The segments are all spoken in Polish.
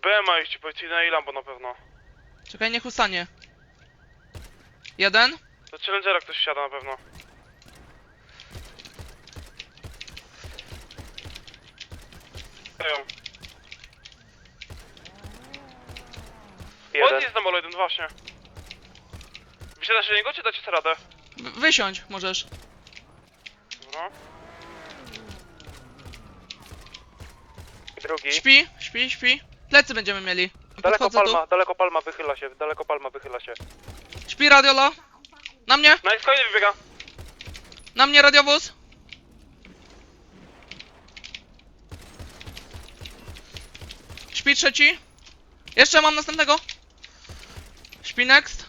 BMA iść, policyjna i Lambo na pewno. Czekaj, niech ustanie. Jeden. Do Challengera ktoś wsiada na pewno. Jeden. Jest na molo 1, właśnie. Wysiadasz do niego, czy dacie sobie radę? Wysiądź, możesz. Dobra. Drugi. Śpi, śpi, śpi. Plecy będziemy mieli. Podchodzę tu. Daleko palma wychyla się, daleko palma wychyla się. Śpi radiolo. Na mnie, No i kolejny wybiega. na mnie radiowóz. Śpi trzeci. Jeszcze mam następnego. Śpi next.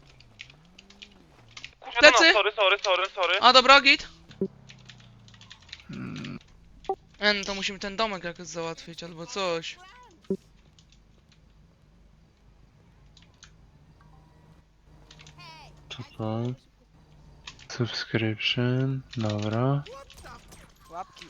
Kurwa, Plecy? Sorry. A dobra, git. No to musimy ten domek jakoś załatwić albo coś. Co to? Subscription, dobra. Łapki.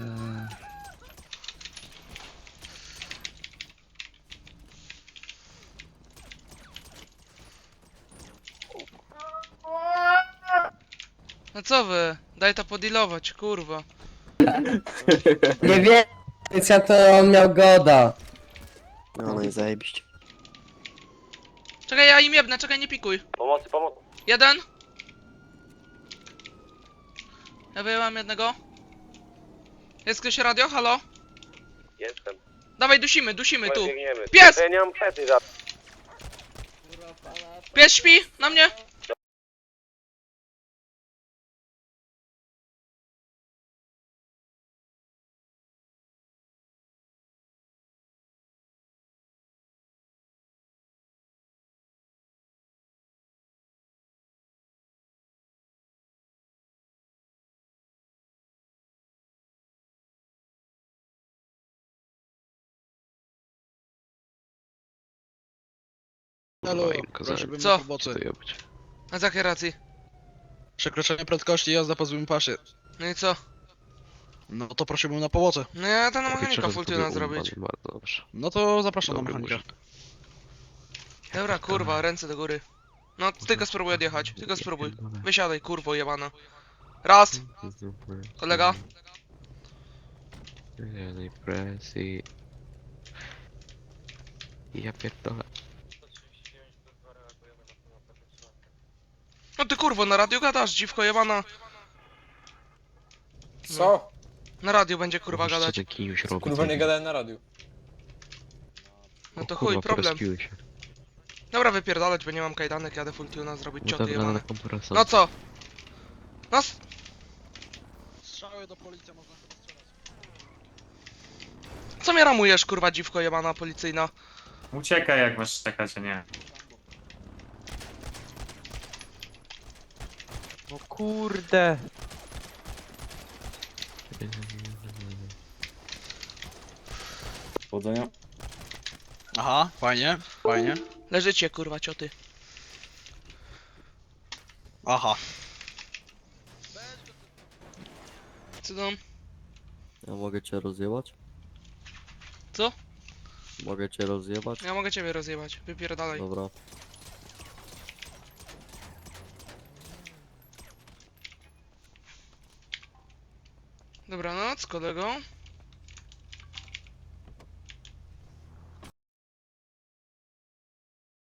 No co wy? Daj to podealować, kurwa. Nie wiem, ja to on miał goda. No i zajebiście. Czekaj, ja im jebnę, czekaj, nie pikuj. Pomocy. Jeden. Ja wyjęłam jednego. Jest ktoś radio? Halo? Jestem. Dawaj, dusimy tu. Biegniemy. Pies! Ja nie mam pety za... Pies śpi, na mnie. Halo, Co? prosiłbym Co? o pomocy. A z jakiej racji? Przekroczenie prędkości, jazda po złym pasie. No i co? No to prosiłbym na pomocy. No ja to na mechanika full tuna zrobić. Bardzo dobrze. No to zapraszam na Dobry mechanika. murzyn. Dobra, kurwa, ręce do góry. No, tylko spróbuj odjechać, tylko spróbuj. Wysiadaj, kurwo jebana. Raz, kolega. Jenej presji. Ja pierdolę. No ty kurwo, na radio gadasz, dziwko jebana. Co? Na radio będzie kurwa Co gadać. ten kiniuś robi? Kurwa nie gadałem na radiu. No to O chuj, kurwa, problem. porespiły się. Dobra, wypierdalać, bo nie mam kajdanek, jadę full tuna zrobić No cioty dobra, na jebane. kompresor. No co? No Strzały do policji można strzelać. co mnie ramujesz, kurwa dziwko jebana policyjna? Uciekaj jak masz czekać, a nie. No kurde. Powodzenia. Aha, fajnie, fajnie. Leżycie, kurwa cioty. Aha. Co tam? Ja mogę cię rozjebać? Co? Mogę cię rozjebać? Ja mogę ciebie rozjebać, wypierdalaj. Dobra. Dobranoc, kolego.